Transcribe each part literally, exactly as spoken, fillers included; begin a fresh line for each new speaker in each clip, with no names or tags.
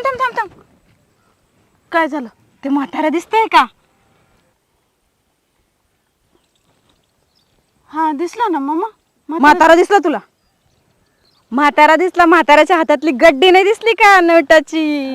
थांब थांब थांब थांब काय झालं? ते म्हातारा दिसतंय का? हा दिसला ना मामा.
म्हातारा दिसला तुला? म्हातारा दिसला? म्हाताऱ्याच्या हातातली गड्डी नाही दिसली का नोटाची?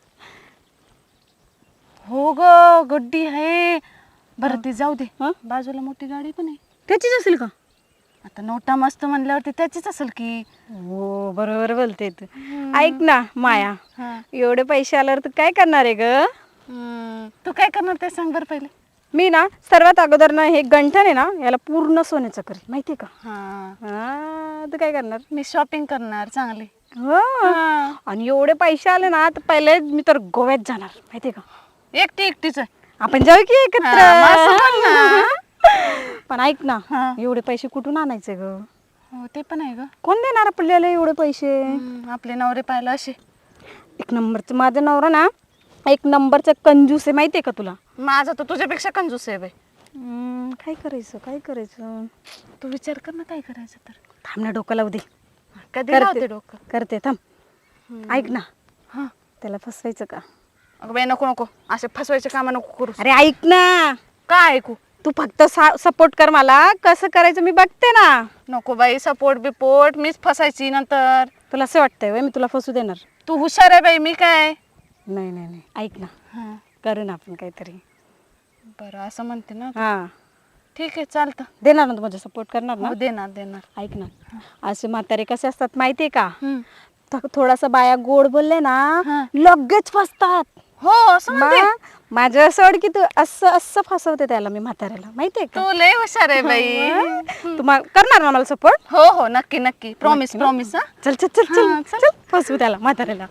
हो ग गड्डी आहे. बरं ते जाऊ दे. बाजूला मोठी गाडी पण आहे.
त्याचीच असेल का?
आता नोटा मस्त म्हणल्यावरती त्याचीच असेल की.
हो बरोबर बोलते तू. ऐक ना माया,
हा.
एवढे पैसे आल्यावर तू काय करणार आहे ग?
तू काय करणार ते सांग बरं पहिले.
मी ना सर्वात अगोदर ना हे गंठन आहे ना याला पूर्ण सोन्याचं करेल, माहितीये का?
हा
हा तू काय करणार?
मी शॉपिंग करणार चांगली.
हो आणि एवढे पैसे आले ना तर पहिले मी तर गोव्यात जाणार, माहितीये का?
एकटी एकटीच आहे.
आपण जाऊ की एकत्र.
हा, मग असं पण ना.
पण ऐक ना,
हा.
एवढे पैसे कुठून आणायचे ग?
हो ते पण आहे ग.
कोण देणार आपल्याला एवढे पैसे?
हम्म, आपले नवरे पाहिलं असे.
एक नंबरचं माझा नवरा ना एक नंबरचा कंजूस आहे, माहितीये का तुला?
माझा तर तुझ्यापेक्षा कंजूस आहे बाई.
हम्म, काय करायचं काय करायचं?
तू विचार कर ना काय करायचं तर.
थांब ना, डोकं लावू दे.
कधी
करते.
लावते डोकं.
करते थांब. ऐक ना,
हा
त्याला फसवायचं का?
अगं बाई नको नको असे फसवायचे काम नको करू.
अरे ऐक ना,
काय ऐकू?
तू फक्त सपोर्ट कर मला, कसं करायचं मी बघते ना.
नको बाई सपोर्ट बिपोर्ट, मीच फसायची नंतर.
तुला असं वाटतंय व्हय मी तुला फसू देणार?
तू हुशार आहे बाई, मी काय.
नाही नाही नाही, ऐक ना,
हा
करू ना आपण काहीतरी.
बरं असं म्हणते ना.
हा
ठीक आहे चालतं.
देणार ना तू, माझा सपोर्ट करणार ना?
हो देणार देणार.
ऐक ना, असे म्हातारे कसे असतात माहितीये का?
हम्म.
थ- थोडासा बाया गोड बोलले ना
हा.
लगेच फसतात.
हो असं म्हणते.
मग माझं असं वाट की तू असं असं फसवते त्याला मी म्हाताऱ्याला, माहितीये का?
तू लय हुशार आहे बाई.
तू मा- करणार ना मला सपोर्ट?
हो हो नक्की नक्की प्रॉमिस प्रॉमिस. हा
चल चल चल चल
हा, चल.
चल फसवू त्याला म्हाताऱ्याला.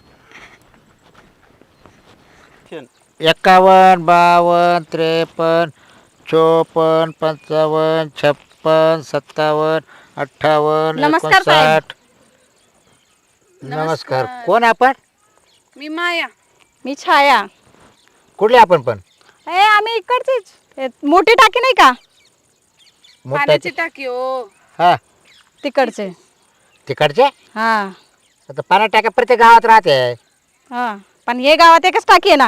एक्कावन्न बावन्न त्रेपन्न चोपन्न पंचावन्न छप्पन सत्तावन्न अठ्ठावन्न
नमस्कार साहेब.
एकोणसाठ. नमस्कार. कोण आपण?
मी माया.
मी छाया.
कुठले आपण पण?
ए आम्ही इकडचीच. ए, मोठी टाकी नाही का
मोठ्या
पाण्याची टाकी हो.
हा
तिकडचे?
तिकडचे.
हा
आता पाण्या टाक्या प्रत्येक गावात राहते.
हा पण हे गावात एकच टाकी आहे ना.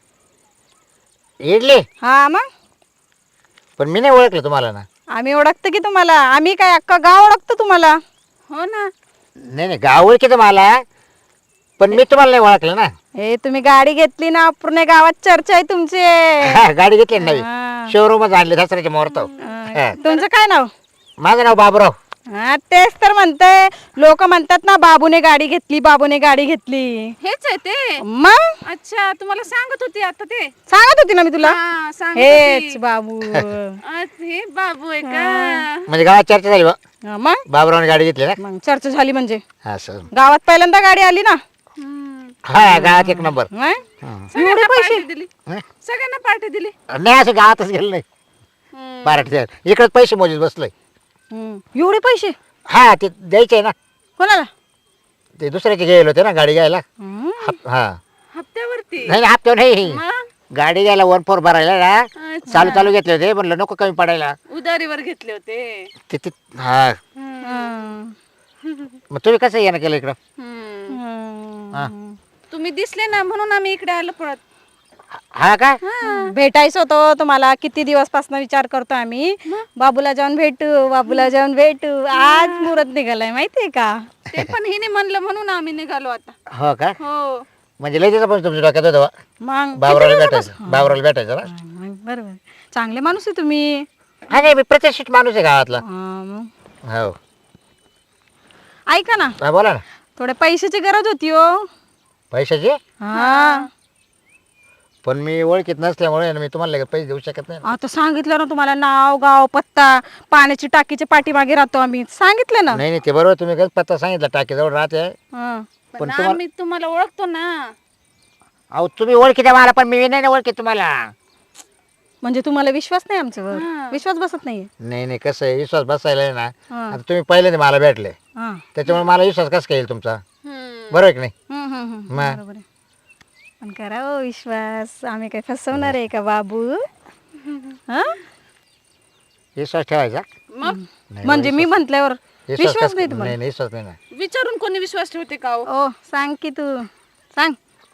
इडली.
हा मग
पण मी नाही ओळखलं तुम्हाला ना.
आम्ही ओळखतो की तुम्हाला. आम्ही काय अख्खा गाव ओळखतो तुम्हाला.
हो ना.
नाही नाही गाव ओळखीचं मला, पण मी तुम्हाला नाही ओळखलं ना.
हे तुम्ही गाडी घेतली ना, पूर्ण गावात चर्चा आहे तुमची.
हा, गाडी घेतली ना नवी,
हा.
शोरूमच आणले दसऱ्याच्या मुहूर्त.
हा. तुमचं काय नाव?
माझं नाव बाबूराव.
हा तेच तर म्हणतंय. लोक म्हणतात ना बाबूने गाडी घेतली, बाबूने गाडी घेतली.
हेच आहे ते.
मग
अच्छा तुम्हाला सांगत होती आता ते.
सांगत होती ना मी तुला.
हा, सांगत
हेच
होती.
बाबू.
आज हे बाबू आहे का?
म्हणजे गावात चर्चा झाली बा,
हा, मग
बाबूरावने गाडी घेतली ना.
मग चर्चा झाली म्हणजे
हा सर.
गावात पहिल्यांदा गाडी आली ना.
हम्म.
हा गावात एक नंबर.
मग?
सगळ्यांना पार्टी दिली.
हं?
सगळ्यांना पार्टी दिली.
नाही असं गावातच गेलं नाही.
हम्म.
पार्टी इकडे पैसे मोजत बसलोय.
हम्म. एवढे पैसे
हा ते द्यायचे ना,
कोणाला?
ते दुसऱ्याचे गेले होते ना गाडी घ्यायला.
हम्म.
हप- हा
हप्त्यावरती.
नाही हप्त्यावर नाही,
मग?
गाडी घ्यायला वन फोर भरायला ना.
अच्छा.
चालू चालू घेतले होते, म्हणलं नको कमी पडायला.
उधारीवर घेतले होते.
ते ते हा
हम्म.
मग तुम्ही कसं येणं केलं इकडं?
हम्म.
हम्म.
हा
तुम्ही दिसले ना म्हणून आम्ही इकडे आलो पळत.
हा का?
भेटायचं होतं तुम्हाला. किती दिवसपासून विचार करतो आम्ही, बाबूला जाऊन भेटू, बाबूला जाऊन भेटू. आज मुहूर्त निघालाय माहितीये का?
ते पण हिने म्हणलं म्हणून आम्ही निघालो आता.
हो का?
हो.
म्हणजे लय दिवसापासून तुमच्या डोक्यात होतं बा.
मग
बाबरावला
किती
भेटायचं,
दिवसापासून?
बाबरावला भेटायचं ना.
हा, मग बरोबर. चांगले माणूस आहे तुम्ही.
हा नाही मी प्रतिष्ठित माणूस आहे गावातला.
हा, मग.
हो
ऐका ना,
हा बोला ना.
थोड्या पैशाची गरज होती हो.
पैशाची?
हा
पण मी ओळखीत नसल्यामुळे ना मी तुम्हाला लगेच पैसे देऊ शकत नाही.
आता सांगितलं ना तुम्हाला, नाव गाव पत्ता, पाण्याची टाकीच्या पाठीमागे राहतो आम्ही, सांगितलं ना.
नाही नाही ते बरोबर, तुम्ही कसं पत्ता सांगितला टाकीजवळ राहते.
हा.
पण
पण
तुम्हाला
आम्ही तुम्हाला ओळखतो ना.
अहो तुम्ही ओळखीत आहे मला, पण मी नाही ना ओळखीत तुम्हाला.
म्हणजे तुम्हाला विश्वास नाही आमच्यावर?
हा.
विश्वास बसत नाहीये.
नाही नाही कसं आहे, विश्वास बसायला आहे ना.
हा.
आता तुम्ही पहिल्यांदा मला भेटले,
हा.
त्याच्यामुळे मला विश्वास कसं काय येईल तुमचा?
हम्म.
बरोबर आहे की नाही?
हम्म, हम्म, हम्म.
मग?
बरोबर आहे. पण करा हो विश्वास. आम्ही काय फसवणार आहे का बाबू? हा?
विश्वास ठेवायचा.
मग
नाही,
म्हणजे मी म्हटल्यावर विश्वास
कसं-
नाही तुम्हाला?
नाही नाही, विश्वास नाही ना.
विचारून कोणी विश्वास ठेवते का हो?
ओ सांग की तू सांग.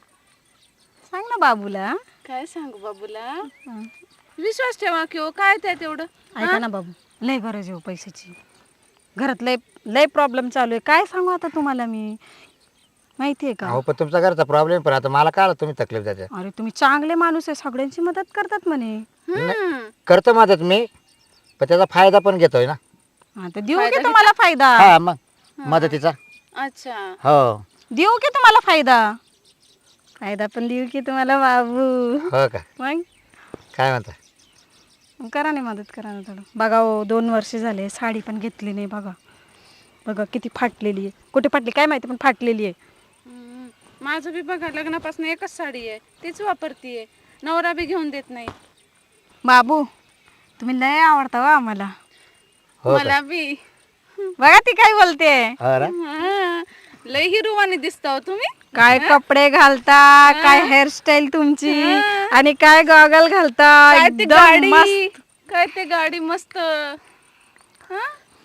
सांग ना बाबूला.
काय सांगू बाबूला? विश्वास ठेवा की हो, काय त्या तेवढं.
ऐका ना बाबू, लय गरज आहे हो पैशाची. घरात लय लय प्रॉब्लेम चालू आहे. काय सांगू आता तुम्हाला मी, माहिती आहे का?
अहो पण तुमचा घरचा प्रॉब्लेम पण आता मला काय तुम्ही तकलीफ द्यायच्या.
अरे तुम्ही चांगले माणूस आहे, सगळ्यांची मदत करतात म्हणे.
हम्म.
करतो मदत मी, पण त्याचा फायदा पण घेतोय ना.
हा, तर देऊ की तुम्हाला फायदा.
हा मग मदतीचा.
अच्छा.
हो
देऊ की तुम्हाला फायदा. फायदा पण देऊ की तुम्हाला बाबू.
हो का,
मग
काय म्हणता?
मग करा ना मदत, करा ना थोडं. बघा हो, दोन वर्ष झाले साडी पण घेतली नाही. बघा बघा किती फाटलेली आहे. कुठे फाटली काय माहिती, पण फाटलेली आहे.
हम्म. माझं बी बघा, लग्नापासून एकच साडी आहे, तीच वापरतीये. नवरा बी घेऊन देत नाही.
बाबू तुम्ही लय आवडता हो आम्हाला.
हो का?
मला बी.
बघा ती काय बोलते.
हो ना?
हा. लय हिरोवानी दिसता हो तुम्ही.
काय कपडे घालता, काय हेअरस्टाईल तुमची, आणि काय गॉगल घालता.
काय ते
एकदम
गाडी,
मस्त.
काय ते गाडी मस्त. हा?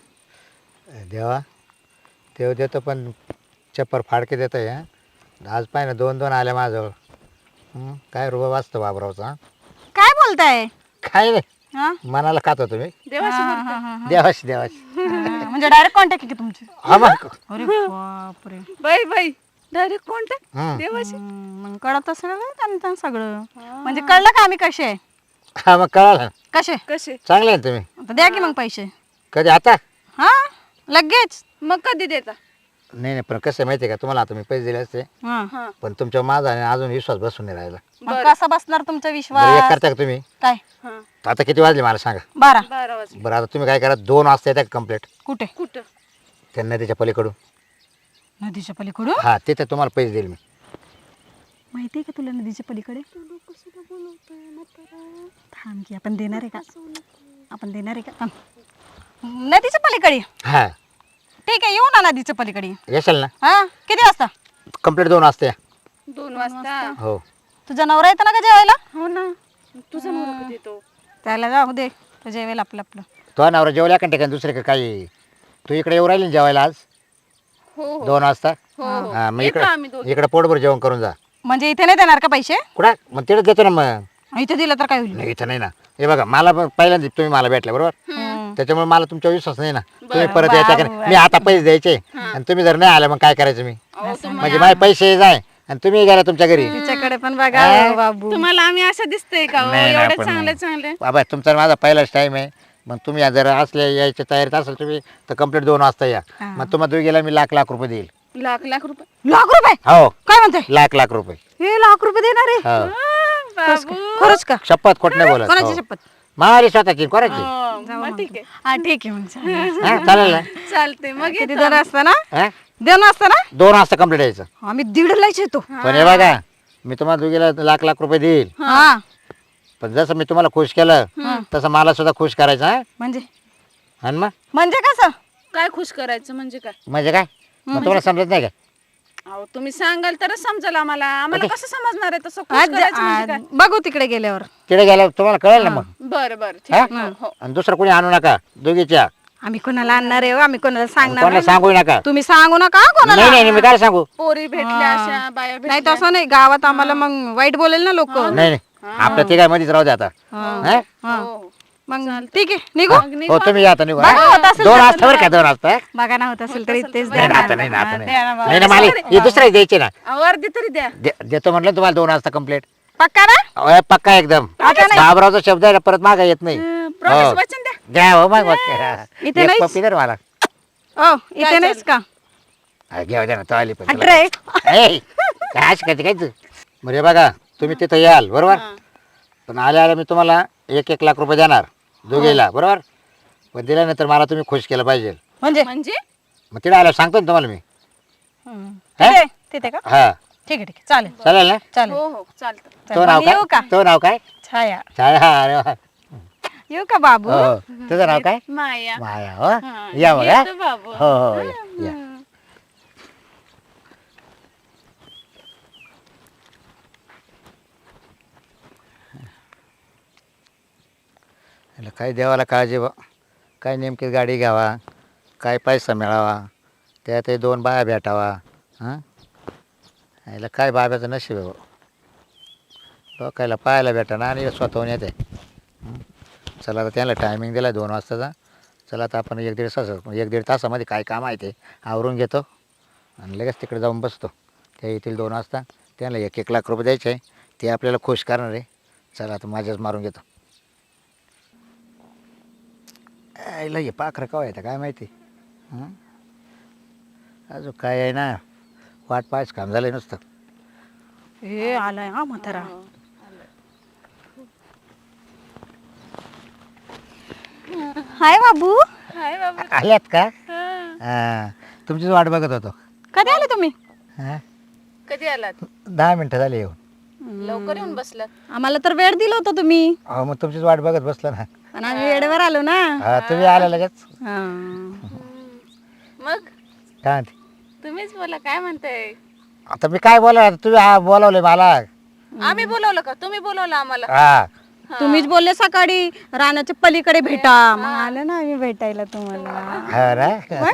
देवा तेव देतो पण चप्पर फाडके देतो या. आज पाय ना दोन दोन आल्या माझ्याजवळ. हं, काय रुबा वाचतो बाबरावचा.
काय बोलताय?
काय नाही,
हा?
मनाला खातो तुम्ही.
देवाशी
हा,
बोलता.
हा, हा, हा.
देवाशी देवाशी.
हा, म्हणजे डायरेक्ट कॉन्टॅक्ट आहे की तुमची?
हा मग.
अरे बापरे.
बाई बाई डायरेक्ट कॉन्टॅक्ट
हं.
देवाशी.
हम्म, मग कळत असेल ना त्यांचं सगळं. म्हणजे कळलं का आम्ही कसे आहे?
हा मग कळालं ना.
कसे
कसे?
चांगले आहे ना तुम्ही.
आता द्या की मग पैसे.
कधी आता?
हा लगेच.
मग कधी देता?
नाही नाही, पण कसं आहे माहिती आहे का, तुम्हाला आता मी पैसे दिले असते,
हा.
हा.
पण तुमच्या माझा आणि अजून विश्वास बसून नाही राहिला.
मग कसा बसणार तुमचा
बरं एक
विश्वास?
करता का तुम्ही?
काय?
हा.
आता किती वाजले मला सांगा.
बारा.
बारा वाजले.
बरं आता तुम्ही काय करा, दोन वाजता येतात कंप्लीट
कुठे?
कुठं?
त्या नदीच्या पलीकडून.
नदीच्या पलीकडून?
हा तिथे तुम्हाला पैसे देईल मी.
माहिती आहे का तुला नदीच्या पलीकडे? थांब की, आपण देणार आहे का? आपण देणार आहे का? थांब. नदीच्या पलीकडे?
हा
ठीक आहे, येऊ ना नदीच्या पलीकडे.
येशाल ना?
हा किती वाजता?
कंप्लीट दोन वाजता या.
दोन वाजता.
हो
तुझा नवरा येतो ना का जेवायला?
हो ना. तुझा नवरा कधी येतो?
त्याला जाऊ दे, तो जेवेल आपलं आपलं.
तो नवरा जेवल्या का ठिकाणी दुसरे का काही? तू इकडे येऊ राहिली ना जेवायला आज
हो हो.
दोन वाजता?
हो हो.
हा मग
येतो
इकडे
आम्ही दोघी.
इकडे पोटभर जेवण करून जा.
म्हणजे इथे नाही देणार का पैसे?
कुठं? मग तिकडे देतो ना. मग
इथे दिलं तर काय होईल?
नाही इथं नाही ना. हे बघा मला पण पहिल्यांदा तुम्ही मला भेटले बरोबर,
हम्म.
त्याच्यामुळे मला तुमचा विश्वास नाही ना. तुम्ही
बरं,
परत यायच्या का
बाबू,
नाही? मी आता पैसे द्यायचे आणि तुम्ही जर नाही आले मग काय करायचं मी?
अहो, तुम्हा-
म्हणजे माझे पैसे जाय आणि तुम्ही गेला तुमच्या घरी.
तिच्याकडे पण बघा हो बाबू.
तुम्हाला आम्ही असं दिसतंय का हो?
नाही, नाही,
एवढे
पण
चांगले
नाही.
चांगले.
बाबा तुमचा आणि माझा पहिलाच टाईम आहे. मग तुम्ही जर असले यायच्या तयारीत असाल तुम्ही तर कंप्लीट दोन वाजता या.
हा.
मग तुम्हाला तुम्ही गेला मी लाख लाख रुपये देईल.
लाख लाख रुपये.
लाख रुपये?
हो
काय म्हणते?
लाख लाख रुपये.
हे लाख रुपये देणार आहे?
हो
हा, बाबू.
खरंच का?
शपथ खोट नाही बोलत.
कोणाची
हो.
शपथ?
मारी स्वतःची कोणाची?
हो, मग ठीक आहे.
हा ठीक आहे मग चालेल.
हा, चालेल ना?
चालते मग
किती
येतो.
दोन वाजता ना?
हा?
दोन वाजता ना?
दोन वाजता कंप्लीट यायचं.
आम्ही दीडलाच येतो.
पण हे बघा मी तुम्हाला दोघीला लाख लाख रुपये देईल,
हा
पण जसं मी तुम्हाला खुश केलं तसं मला सुद्धा खुश करायचं. हा
म्हणजे
आणि मग
म्हणजे कसं?
काय खुश करायचं म्हणजे काय?
म्हणजे काय मग तुम्हाला समजत नाही का?
अहो तुम्ही सांगाल तरच समजेल आम्हाला. आम्हाला कसं समजणार आहे तसं खुश
आज
करायचं म्हणजे
आज
काय?
बघू तिकडे गेल्यावर.
तिकडे गेल्यावर तुम्हाला कळेल ना मग.
बरं बरं ठीक
हा?
आहे. हो, हो.
आणि दुसरं कोणी आणू नका दोघीच्या.
आम्ही कोणाला आणणार आहे हो? आम्ही कोणाला सांगणार
कोणाला
नाही.
सांगू नका.
तुम्ही सांगू नका हा कोणाला.
नाही नाही नाही, मी काय सांगू.
पोरी भेटल्या अशा बाया
नाही
भेटल्या.
तसं नाही, गावात आम्हाला मग वाईट बोलेल ना लोक.
नाही नाही आपल्या तिघांमध्येच राहू दे आता. हा?
हो, हो.
मग ठीक आहे निघू.
मग निघू
हो तुम्ही या आता निघू.
बघा,
हा?
होत असेल
दोन
तर
वाजता बरं का? दोन वाजता?
बघा ना होत असेल तरी तेच
नाही
द्या
ना, आता
ना.
नाही ना, आता
हा,
नाही.
द्या ना बाबा.
नाही ना मला हे दुसरं द्यायचे ना.
अहो, अर्धी तरी द्या.
दे- देतो म्हटलं तुम्हाला दोन वाजता कंप्लीट.
पक्का ना?
पक्का एकदम. बाबरावचा शब्द आहे ना, परत मागा येत नाही.
प्रॉमिस
हो.
वचन द्या.
द्या हो मग मग.
इथे
एक
नाहीच?
पप्पी दे रे मला.
ओ इथे नाहीच का?
हा, घेऊ द्या ना तो आली पण तुला.
अट्रे.
ए, काय अशी करते काय तू? म्हणजे बघा तुम्ही तिथं याल बरोबर, पण आल्या आल्या मी तुम्हाला एक एक लाख रुपये देणार दोघेला बरोबर, पण दिल्यानंतर मला तुम्ही खुश केलं पाहिजे.
म्हणजे
म्हणजे
मग तिथे आल्यावर सांगतो ना तुम्हाला मी.
हम्म.
हा?
तिथे तिथे का?
हा
ठीक आहे ठीक आहे चालेल
चालेल ना?
चालेल.
हो हो चालतं.
तो नाव
येऊ का?
काय? तो नाव काय?
छाया.
छाया. हा, अरे वा.
येऊ का बाबू?
हो हो. तुझं नाव काय?
माया.
माया. हो
हा,
या मग. हा?
येतो बाबू.
हो हो या, या. काय देवाला काळजी बा, काय नेमकी गाडी घ्यावा, काय पैसा मिळावा, त्यात हे दोन बाया भेटावा. हां याला काय बाब्याचं नशीब आहे बा. लोकायला पाहायला भेटा ना आणि स्वतःहून येते. हं. चला आता त्याला टायमिंग दिला दोन वाजताचा. चला आता आपण एक दीड तास एक दीड तासामध्ये काय काम आहे ते आवरून घेतो आणि लगेच तिकडे जाऊन बसतो. ते येतील दोन वाजता. त्याला एक एक लाख रुपये द्यायचे आहे. ते आपल्याला खुश करणार आहे. चला आता माझ्याच मारून घेतो. आईला हे पाखरं कवा येतं काय माहिती. हं? अजून काय आहे ना वाट पाहायचं काम झालं नुसतं.
हे आलाय हा म्हातारा. हाय बाबू.
हाय बाबा.
आल्यात का?
हा.
हां तुमचीच वाट बघत होतो.
कधी आले तुम्ही?
हां
कधी आलात?
दहा मिनटं झाली येऊन.
लवकर येऊन बसलात.
आम्हाला तर वेळ दिला होता तुम्ही,
अहो मग तुमचीच वाट बघत बसलो ना.
पण आम्ही वेळेवर आलो ना.
हा तुम्ही आला लगेच.
हा.
मग
काय म्हणते?
तुम्हीच बोला काय म्हणताय.
आता मी काय बोला तुम्ही हा बोलावले मला.
आम्ही बोलवलं का तुम्ही बोलवलं आम्हाला.
हा
तुम्हीच बोलले सकाळी रानाच्या पलीकडे भेटा, मग आलो ना आम्ही भेटायला तुम्हाला.
हा ना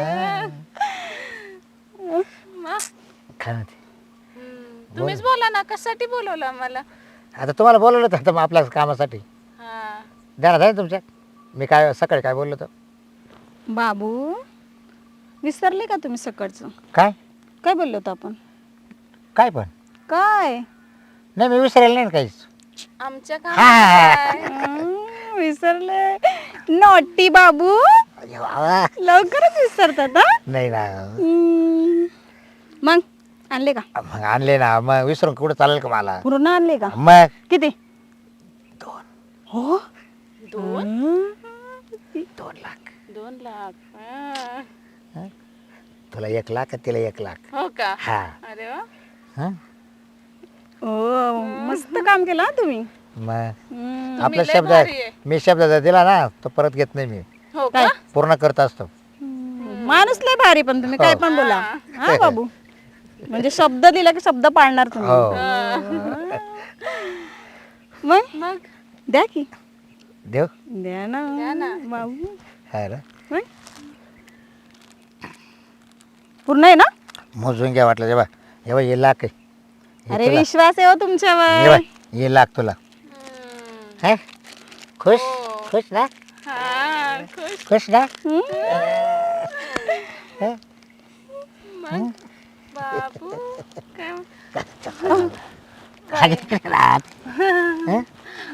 मग
काय म्हणते?
हम्म, तुम्हीच बोला ना कशासाठी बोलवलं आम्हाला.
आता तुम्हाला बोलवलं होतं आता मग आपल्या कामासाठी.
हा.
ध्यानात आहे ना तुमच्या मी काय सकाळी काय बोललो होतो?
बाबू विसरले का तुम्ही सकाळचं
काय
काय बोललो होतो आपण?
काय पण
काय
नाही मी विसरायला नाही ना काहीच.
आमच्या
हा.
कामात
हं, विसरले. नॉटी बाबू
अरे वा.
लवकरच विसरतात हा?
नाही ना
हं. मग आणले का?
मग आणले ना मग विसरून कुठं चालेल का मला?
पूर्ण आणले का?
मग
किती?
दोन
हो
दोन
दोन लाख.
दोन लाख. हा.
तुला एक लाख तिला एक लाख.
हो का.
हा
अरे वा.
हा
ओ मस्त काम केलं हा तुम्ही.
मग
हं.
आपला
लय
शब्द
भारी आहे.
मी शब्द जर दिला ना तो परत घेत नाही मी.
हो
काय?
का.
पूर्ण करत असतो.
माणूस लय भारी, पण तुम्ही काय पण बोला हा बाबू. म्हणजे शब्द दिला की शब्द पाळणार तुम्ही.
हो
मग
मग
द्या की
देव
द्या ना
द्या ना.
बाबू.
हा ना
मग? पूर्ण आहे ना?
मोजून घ्या वाटलं जेव्हा जेव्हा ये लाख आहे. हे
अरे
तुला.
विश्वास आहे हो
ये
तुमच्यावर.
बाय, ये लाख तुला.
हम्म.
है खुश
हो.
खुश ना
हा खुश.
खुश ना.
हं?
हं?
मग बाबू काय
खाली तिकडे राहत. हं?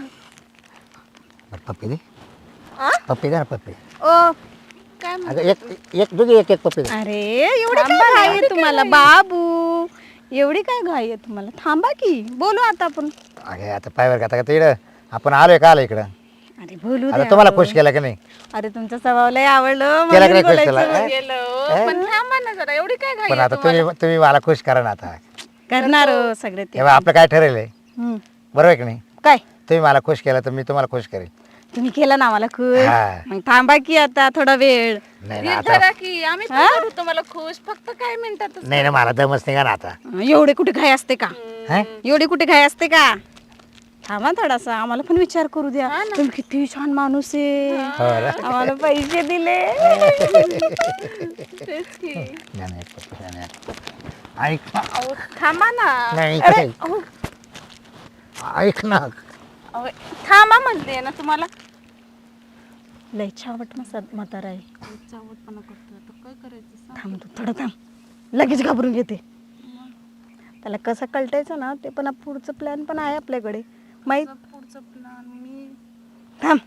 बरं, पप्पी दे
आ?
पप्पी दे ना पप्पी.
ओ
काय म्हण-
अगं एक एक दुधी एक एक पप्पी दे.
अरे एवढी काय घाई आहे तुम्हाला बाबू? एवढी काय घाई आहे तुम्हाला? थांबा की बोलू आता आपण.
अगे आता पायवर का इकडं आपण आलोय का आलो इकडं.
अरे बोलू
आता
द्या.
तुम्हाला खुश केलं का नाही?
अरे तुमचा स्वभाव लय आवडलं
केला
म्हणून
का नाही खुश
बोलायचं.
केला?
गेलो पण थांबा ना जरा एवढी काय घाई
पण
आहे
आता
तुम्हाला?
तुम्ही तुम्ही मला खुश करा ना आता.
करणार हो सगळे ते.
तेव्हा आपलं काय ठरेल
हं.
बरोबर आहे की नाही?
काय
तुम्ही मला खुश केलं तर मी तुम्हाला खुश करेल.
तुम्ही केलं ना मला खुश.
हा.
मग थांबा की आता थोडा वेळ.
नाही ना
नीट
आता
धरा की आम्ही पण करू तुम्हाला खुश फक्त काय मिनिटातच.
नाही ना मला दमच निघा ना आता.
एवढे कुठे घाई असते का?
हं?
एवढी कुठे घाई असते का? थांबा थोडासा, आम्हाला पण विचार करू द्या. तुम्ही किती छान माणूस आहे.
हो ना?
आम्हाला पैसे दिले.
तेच की.
नाही, नाही, पप्पी, नाही, नाही. ऐक ना.
अहो, थांबा ना.
नाही
अरे,
ऐक.
अहो,
ऐक ना.
अहो, थांबा म्हणते ना तुम्हाला.
लय छावट मसा म्हातारा आहे.
चावटपणा करतो आता काय करायचं सांग.
थांब तू थोडं थांब, लगेच घाबरून घेते. त्याला कसं कळटायचं ना ते पण पुढचं प्लॅन पण आहे आपल्याकडे माहित.
पुढचं प्लॅन मी
थांब.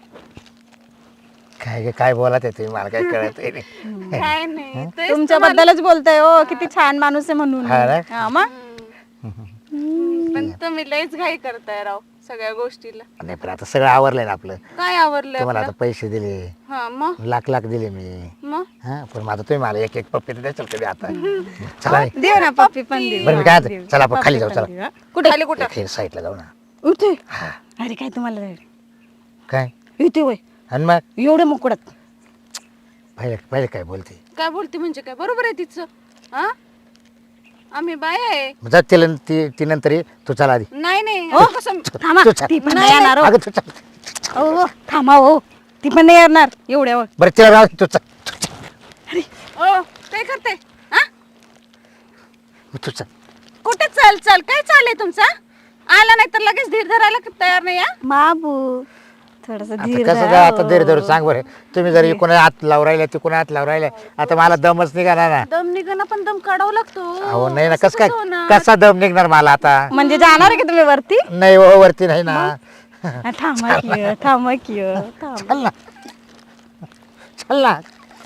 काय काय बोला ते तुम्ही मला काय कळत नाही.
काय नाही तेच
तुमच्याबद्दलच बोलतोय हो, किती छान माणूस आहे म्हणून.
हा ना?
हा मग
तुम्हाला- पण तुम्ही लयच घाई करताय राव सगळ्या गोष्टीला.
नाही पण आता सगळं आवरलंय ना आपलं.
काय आवडलं
तुम्हाला
आपलं?
आता पैसे दिले
हा मग
लाख लाख दिले मी.
मग
हा पण मग आता तुम्ही मला एक एक पप्पी द्याल कधी आता. चला नाही.
देव ना पप्पी पण देऊ.
बरं मी काय म्हणते, चला आपण खाली जाऊ
पप्पी पण
चला.
देऊ, हा. कुठे?
खाली कुठं?
इथे साईडला जाऊ ना.
उठे.
हा
अरे काय तुम्हाला
काय
इथे वय
आणि मग
एवढे मुकडत.
पहिले पहिले काय बोलते
काय बोलते म्हणजे काय बरोबर आहे तिचं. हा आम्ही बाय आहे.
जा तिला ती ती नंतर ये. तू चला आधी.
नाही नाही
हो
कसं
थांबा,
तू चल.
ती पण नाही येणार हो.
अगं तू चल.
हो, हो, थांबा हो, ती पण नाही येणार एवढ्यावर.
बरं तिला राव तू चल.
ओ काय करते हा
तू चल.
कुठे चल चल काय चाललंय तुमचा आला नाही तर लगेच धीर धरायला तयार नाही हा?
बाबू थोडस
आता
धीर
कसं काय आता धीर धरून सांग बरं. तुम्ही जर इकडून हात लावून राहिले तिकडून हात लावून राहिले आता मला दमच निघाला ना.
दम निघणं पण दम काढावं लागतो.
अहो नाही ना
असं
कसं काय
कसं होणार?
कसा दम निघणार मला आता.
म्हणजे जाणार आहे का तुम्ही वरती?
नाही हो वरती नाही ना.
हा, थांबा की हो, थांबा की हो, थांबा.
चल ना चल ना.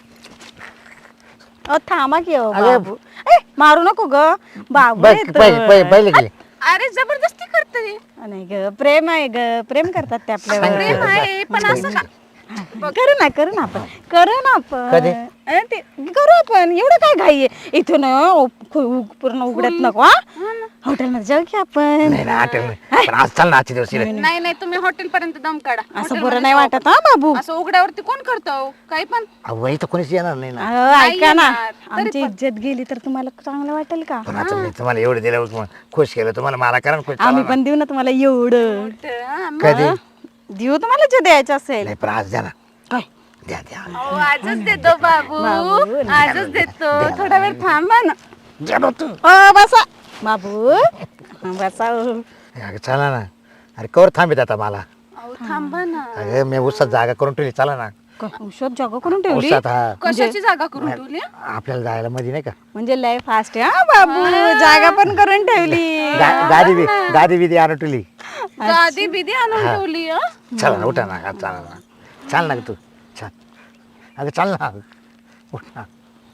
अहो, थांबा की हो,
अरे,
बाबू ए, मारू नको ग बाबू
बस
येतोय.
पहिले पहिले पहिले गेली.
अरे जबरदस्ती करते.
नाही ग प्रेम आहे ग प्रेम करतात ते आपल्यावर.
प्रेम आहे पण असं का?
करू ना करू ना आपण करू ना आपण
कधी?
अ, ते करू आपण एवढं काय घाई आहे इथून अ, खु- उ- पूर्ण उघडत नको हा हॉटेलमध्ये जाऊ की आपण.
नाही ना आठवण नाही. पण आज चल ना आजच्या दिवशी रे.
नाही नाही तुम्ही हॉटेल पर्यंत दम काढा.
असं
हॉटेलमध्ये
बरं नाही
जाऊ
वाटत हा बाबू.
आपण. असं उघड्यावरती कोण करतो काही पण.
अहो इथं कोणीच येणार नाही ना.
अहो,
नाही
ऐका ना
येणार. तरी
आमची
पण-
इज्जत गेली तर तुम्हाला चांगलं वाटेल का?
पण आता मी तुम्हाला एवढं दिलं मग खुश केलं तुम्हाला मला करा ना खुश. चला
आम्ही
ना.
पण देऊ ना तुम्हाला एवढं
हा, मग.
कधी
देऊ तुम्हाला जे द्यायचं असेल.
नाही पण आज द्या ना.
काय
द्या द्या
अहो, आजच देतो बाबू
बाबू,
आजच देतो. थोडा वेळ थांबा ना.
द्या ना तू.
अ, बसा बाबू हा, बसा हो.
अगं चला ना. अरे कवर थांबित आता मला.
अहो थांबा ना.
अगं मी उसात जागा करून ठेवली चला ना.
क- औषध जागा करून ठेवली
उसात हा
कशाची जागा करून ठेवली?
आपल्याला जायला मध्ये नाही का
म्हणजे लय फास्ट आहे हा बाबू जागा पण करून ठेवली.
गा- गादी बी गादी बिदी आणून ठेवली.
गादी बिदी आणून ठेवली हं?
चला ना उठा ना चला ना. चाल ना ग तू चल. अगं चाल ना उठ ना.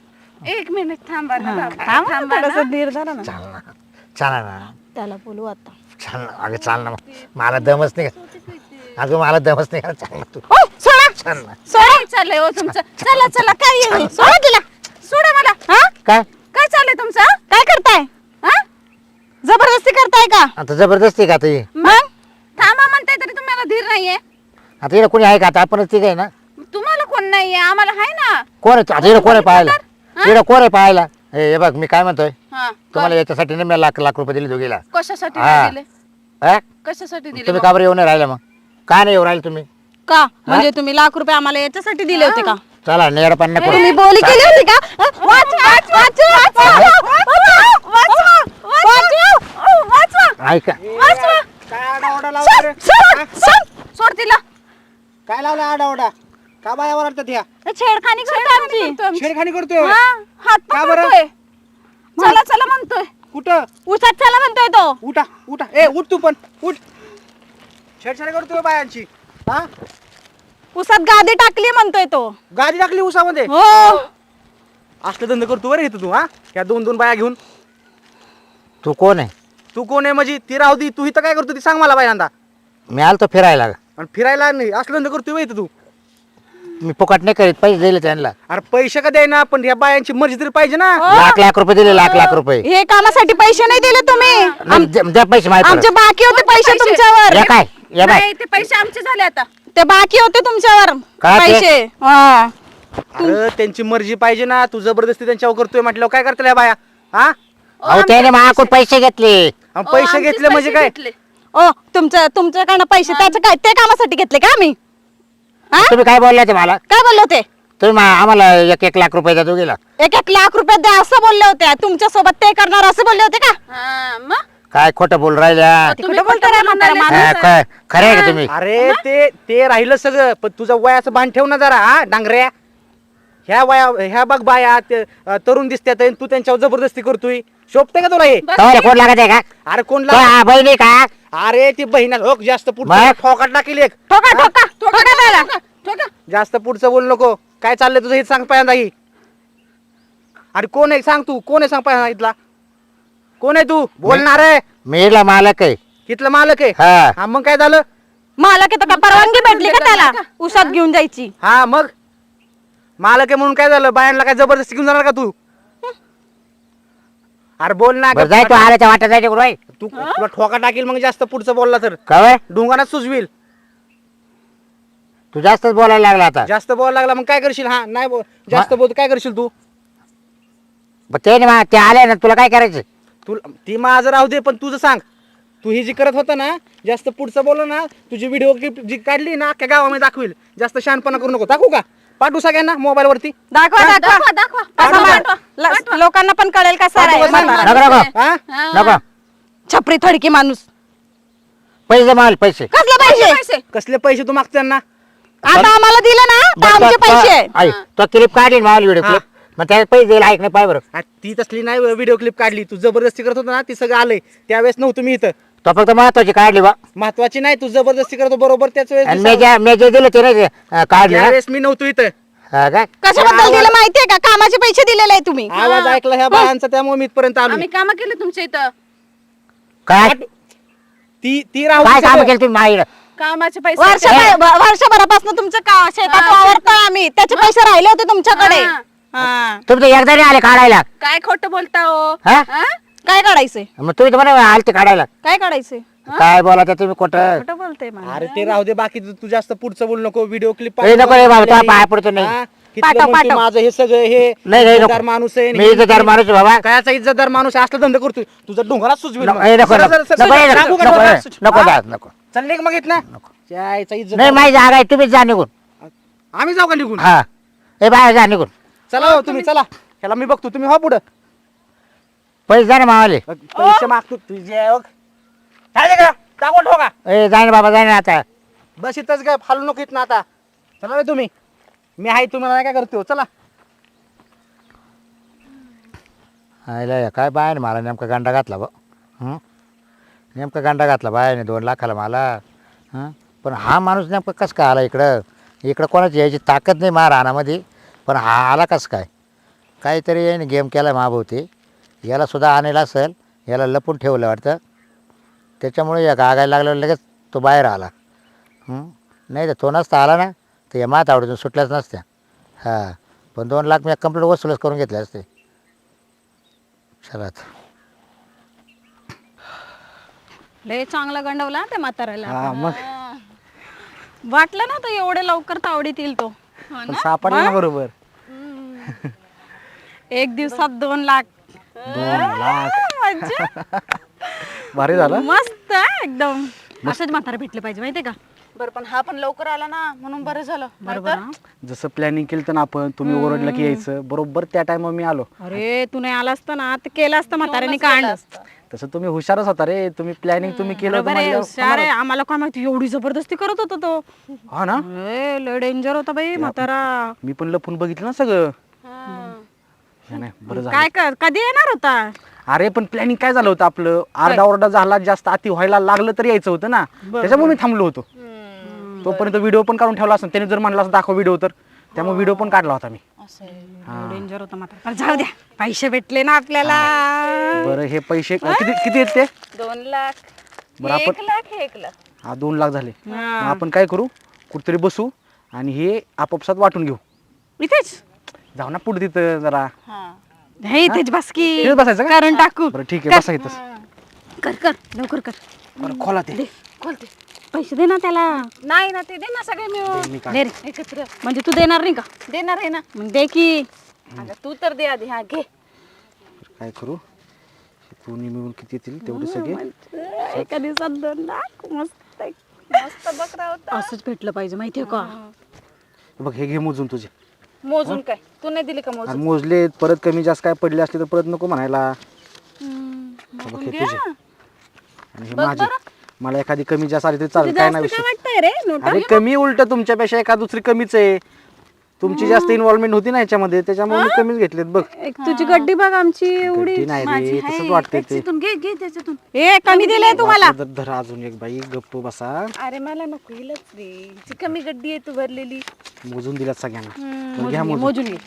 एक मिनिट थांबा ना बाबा.
थांबा
थांबा ना.
थोडंसं धीर धरा ना.
चाल ना चला ना.
त्याला बोलू आता.
चाल ना अगं चाल ना मग मला दमच नाही का अगं मला दमच नाही का चाल ना तू
ओ, सोडा
चाल ना.
काय चाललंय हो तुमचं? चला चला काय येऊ सोडा तिला. सोडा मला. हा
काय
काय चाललंय तुमचं?
काय करताय
हा?
जबरदस्ती करताय का?
आता जबरदस्ती का आता ही
मग थांबा म्हणताय तरी तुम्हाला धीर नाहीये.
आता इकडे कोणी आहे का आता आपणच ठीक आहे ना.
तुम्हाला कोण नाहीये आम्हाला आहे ना.
कोण आहे आता इकडे कोण आहे पाहायला इकडे कोण आहे पाहायला हे हे बघ मी काय म्हणतोय
हा
तुम्हाला याच्यासाठी नाही मी लाख लाख रुपये दिले दोघीला.
कशासाठी
हा.
नाही दिले?
हा?
कशासाठी दिले
तुम्ही
मग?
का बरं येऊन नाही राहिला मग का नाही येऊ राहिले तुम्ही.
का म्हणजे तुम्ही लाख रुपये आम्हाला याच्यासाठी दिले होते का?
चला नेडपण नको
तुम्ही बोली केली होती का? अ, वाच, वाच, वाच, वाच, वाच, वाच, वाच,
ऐका
काय आडाओरडा लावला रे?
सोड तिला.
काय लावला आडाओरडा? का बाया ओरडतात ह्या?
छेडखानी करतो आमची.
आमची.
छेडखानी करतोय
हा, हात
का बरं?
पकडतोय. चला चला म्हणतोय.
कुठं?
उसात चला म्हणतोय तो.
उठा उठा ए उठ तू पण उठ. छेडछाड करतोय बायांची. हा
उसात गादी टाकली म्हणतोय तो.
गाडी टाकली उसामध्ये.
हो
असलं धंदा करतो बरं इथं तू. हा ह्या दोन दोन बाया घेऊन.
तू कोण आहे.
तू कोण आहे म्हणजे ती राहू दे. तू इथं काय करतो ती सांग मला बायांदा.
मी आलो तो फिरायला
आणि फिरायला नाही असलं धंदा करतोय बरं इथं तू.
मी फुकट नाही करीत पैसे दिले त्यांना
अरे पैसे का द्यायना पण ह्या बायांची मर्जी तरी पाहिजे ना.
लाख लाख रुपये दिले लाख लाख रुपये.
हे कामासाठी पैसे नाही दिले तुम्ही.
नाही, द्या द्या पैसे माहिती
आमचे बाकी होते पैसे
पैसे.
तुमच्यावर.
या काय या बाय
नाही ते पैसे आमचे झाले आता.
ते बाकी होते तुमच्यावर
काय ते?
पैसे. हा.
अरे त्यांची मर्जी पाहिजे ना. तू जबरदस्ती त्यांच्यावर करतोय म्हटल्यावर काय करतील ह्या बाया. हा
अहो त्याने माझ्याकडून पैसे घेतले.
आणि
ओ,
पैसे
आमचेच
घेतले म्हणजे
पैसे
काय.
घेतले.
ओ तुमचं तुमच्याकडनं पैसे त्याचं काय ते कामासाठी घेतले का आम्ही? हा?
तुम्ही काय बोलले ते मला
काय बोलले होते?
तुम्ही मा- आम्हाला एक एक लाख रुपये द्या दोघीला.
एक एक लाख रुपये द्या असं बोलले होते. तुमच्या सोबत ते करणार असं बोलले होते का?
हा, मग
काय खोटं बोल राहिल्या.
ते
तुम्ही
कुठं बोलता
खोटं
रे
बोलून
म्हातारा
राहिले.
माणूस?
हा, काय खरं आहे का तुम्ही.
अरे ते ते राहिलं सगळं पण तुझं वयाचं भान ठेव ना जरा. हा डांगऱ्या ह्या वया ह्या बघ बाया ते, अं, तरुण दिसतात आणि तू त्यांच्यावर जबरदस्ती करतोय. शोभते का तुला हे.
तुम्हाला कोण लागत आहे का
अरे कोण
तो
ला-
हा बहिणी का
अरे ती बहिणा हो जास्त पुढचं
मग?
ठोकाट टाकील एक.
ठोका ठोका
ठोका, ठोका, ठोका, ठोका.
जास्त पुढचं बोल नको. काय चाललंय तुझं हे सांग पहिल्यांदा ही. अरे कोण आहे सांग तू कोण आहे सांग पहिल्यांदा इथला. कोण आहे तू बोलणार आहे.
मीला मालक आहे.
इथलं मालक आहे.
हा
हा मग काय झालं.
मला का परवानगी भेटली का त्याला उसात घेऊन जायची?
हा मग मालक आहे म्हणून काय झालं. बायांना काय जबरदस्ती घेऊन जाणार का तू. अरे बोल ना.
बरं जाय तू आल्याच्या वाट्यात जायचे कुठं
तू तुला ठोका टाकील मग जास्त पुढचं बोलला तर.
काय
डोंगानाच सुचवील. अरे कोण आहे सांग तू कोण आहे सांग पहिल्यांदा.
तुम्ही काय बोलले ते मला काय बोलले ते मला
हा?
तुम्ही
हा मग काय झालं.
तू जास्तच बोलायला लागला आता.
जास्त बोलायला लागला मग काय करशील. हा नाही बोल जास्त बोल काय करशील तू.
पण ते नाही मा- ते आले ना तुला काय करायचं.
तू ती माझं राहू दे पण तुझं सांग. तू ही जी करत होता ना जास्त पुढचं बोल ना. तुझी व्हिडिओ क्लिप जी काढली ना अख्ख्या गावामध्ये दाखवील. जास्त शहाणपणा करू नको. दाखवू का पाठवू सगळ्यांना मोबाईल वरती.
दाखवा दाखवा
दाखवा दाखवा
असं
पाठवा,
मा-
पाठवा.
ल- लोकांना पण कळेल कसा
पाठवा,
आहे
सांग.
म्हातारा.
नको नको
हा
हा.
नको
छपरी थडकी माणूस.
पैसे माल पैसे
कसले पैसे
कसले पैसे तू मागते ना?
आता आम्हाला दिलं ना तर
बरं,
आमचे
तो-
पैसे आहे.
तो- आई, तो क्लिप काढली माल व्हिडिओ
हा.
क्लिप मग त्यात पैसे दिले ऐक नाही पाय बरं
आ, ती तसली नाही व्हिडिओ क्लिप काढली, तू जबरदस्ती करत होता ना, ती सगळं आलंय. त्यावेळेस नव्हतं मी इथं.
तो फक्त महत्वाची काढली बा
महत्वाची नाही, तू जबरदस्ती करतो बरोबर त्याच
आणि मी
वेळेस.
ज्या मी जे दिले ते नाही अं, काढले ना
त्यावेळेस मी नव्हतो इथं.
हा काय
कशाबद्दल दिलं माहितीये का? कामाचे पैसे दिलेले आहे तुम्ही.
आवाज ऐकला ह्या बाळांचा, त्यामुळे मी इथपर्यंत आलो.
आम्ही काम केले तुमच्या इथं
काय
ती ती राहू
काय
दे
काम
सगळं.
केलं तुम्ही माहीत
कामाचे पैसे
वर्षभर वर्षभरापासून तुमचं का शेतात वावरतोय आम्ही, त्याचे पैसे राहिले होते तुमच्याकडे.
हा.
हा.
तुमचं एकदा नाही आले काढायला
काय खोटं बोलता हो
हा
हा?
काय काढायचंय?
मग तुम्ही तर म्हणा आलते काढायला
काय काढायचंय?
काय बोला त्या तुम्ही कुठं
खोटं बोलते मला.
अरे ते राहू दे, बाकी तू तू जास्त पुढचं बोल नको. व्हिडिओ क्लिप
ए, नको रे बाबा, तुला पाय पडतो नाही.
पाठव, पाठव.
माझं हे सगळं हे
नाही नाही
इज्जतदार
नको.
माणूस आहे.
मी इज्जतदार माणूस आहे बाबा
कायचा इज्जतदार माणूस आहे, असला धंदा करतोय. तुझा डोंगरात सुचविल
नको
मग.
ए, नको
सरळ,
नको
सरळ, सरळ,
नको ए,
सरळ,
नको
टाकू का
नको
डोंगरात?
ए, नको
हा?
जात नको
चल निघ मग इथनं. त्याचा इज्जत
नाही माझी जागा आहे तुम्हीच जा निघून
आम्ही जाऊ का निघून?
हा ए बाहेर जा निघून
चला हो तुम्ही, चला. ह्याला मी बघतो, तुम्ही हो पुढं.
पैसे जा ना मावाले
पैसे मागतो तुझे बघ. काय का टाकून ठोका.
ए जाय ना बाबा जाय ना आता
बस इथंच काय फालू नको इथनं आता. चला रे तुम्ही, मी आहे तुम्हाला काय करतो. चला.
आयला काय बाय मला नेमका गांडा घातला बा हं? नेमका गांडा घातला बायाने दोन लाखाला मला हां पण हा माणूस नेमका कसं काय आला इकडं इकडं कोणाची यायची ताकद नाही मा रानामध्ये पण हा आला कसं काय काहीतरी याने गेम केला महाभोवती याला सुद्धा आणायला असेल याला लपून ठेवलं वाटतं त्याच्यामुळे या गागायला लागल्यावर लगेच तो बाहेर आला हं? नाही तर तो नसता आला ना तर या मात आवडून सुटल्याच नसत्या हां पण दोन लाख मी कंप्लीट वसूलच करून घेतले असते चला
लय चांगला गंडवला त्या म्हाताऱ्याला.
हा, मग.
हा. वाटलं ना तर एवढे लवकर तावडीत येईल तो. हो
पण
ना?
सापडला ना बरोबर.
एक दिवसात दोन लाख.
दोन लाख
मज्जा.
भारी झालं.
मस्त आहे एकदम. असेच म्हातारे भेटले पाहिजे माहितीये का?
बरं पण हा पण लवकर आला ना म्हणून बरं झालं.
बरोबर
नाहीतर-
हा?
जसं प्लॅनिंग केलं ना आपण, तुम्ही ओरडलं की यायचं, बरोबर त्या टायमावर मी आलो.
अरे तू नाही आला असता ना तर केलं असतं म्हाताऱ्याने
दोनच केलं
कांड.
असतं.
तसं तुम्ही हुशारच होता रे. तुम्ही प्लॅनिंग तुम्ही केलं होतं
बरोबर आहे,
म्हणल्यावर
हुशार आहे. आम्हाला काय माहिती एवढी जबरदस्ती करत होता तो.
हा ना.
ए, लय डेंजर होता बाई म्हातारा.
मी पण लपून बघितलं ना सगळं.
हा.
नाही, नाही, बरं झालं.
काय कर कधी येणार होता?
अरे पण प्लॅनिंग काय झालं होतं आपलं, आरडा ओरडा झाला, जास्त अति व्हायला लागलं तर यायचं होतं ना, त्याच्यामुळे मी थांबलो होतो. तोपर्यंत व्हिडिओ पण काढून ठेवला असं त्याने जर म्हणलं असं दाखव व्हिडिओ तर त्यामुळे व्हिडिओ पण काढला होता मी.
असं आहे.
डेंजर होता म्हातारा. पण जाऊ द्या, पैसे भेटले ना आपल्याला.
बरं हे पैसे किती किती आहेत ते?
दोन लाख
बरं,
हे एक
आपण-
लाख हे एक लाख
हा दोन लाख झाले.
हा.
मग आपण काय करू, कुठतरी बसू आणि हे आपापसात वाटून घेऊ.
इथेच
जाऊ ना पुढे तिथं जरा.
हा
हे इथेच बस की.
तिथेच बसायचं का?
कारण टाकू.
बरं ठीक आहे, बसा इथंच.
कर कर लवकर कर.
बरं खोला ते.
खोलते.
पैसे दे ना त्याला.
नाही ना ते दे ना सगळे मिळून
मी काय-
दे रे.
एकत्र
म्हणजे तू देणार नाही का?
देणार आहे ना.
मग दे की.
अगं तू तर दे आधी. हा घे.
काय करू, दोन्ही मिळून किती येतील तेवढे सगळे.
एका दिवसात दोन लाख मस्त आहे.
मस्त बकरा होता.
असंच भेटलं पाहिजे माहितीये का?
बघ हे घे मोजून तुझे.
मोजून काय तू नाही दिली का मोजून?
आणि मोजले परत कमी जास्त काय पडले असले तर परत नको म्हणायला. बघ हे तुझे आणि हे माझे. मला एखादी कमी जास्त आली तरी चालेल, काय नाही
जास्त काय
विषय.
वाटतंय रे नोटा?
अरे कमी उलट तुमच्यापेक्षा एका दुसरी कमीच आहे. तुमची जास्त इन्व्हॉल्वमेंट होती ना याच्यामध्ये, त्याच्यामुळे मी कमीच घेतलेत. बघ
एक तुझी गड्डी बघ आमची एवढी.
गड्डी नाही रे, तसंच वाटतंय ते.
त्याच्यातून घे घे त्याच्यातून.
ए कमी दिले तुम्हाला.
वाटलं तर धरा अजून एक बाई, गप्प बसा.
अरे मला नको हिलच रे. ती कमी गड्डी आहे तू भरलेली.
मोजून दिल्यात सगळ्यांना.
हम्म,
बरं, घ्या
मोजून घे,
मोजून.
मोजून घे.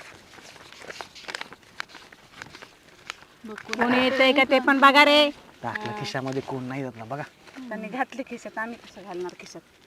कोणी येतंय का ते पण बघा रे.
टाकलं खिशामध्ये कोण नाही जात ना बघा.
त्यांनी घातले खिशात, आम्ही कसं घालणार खिशात?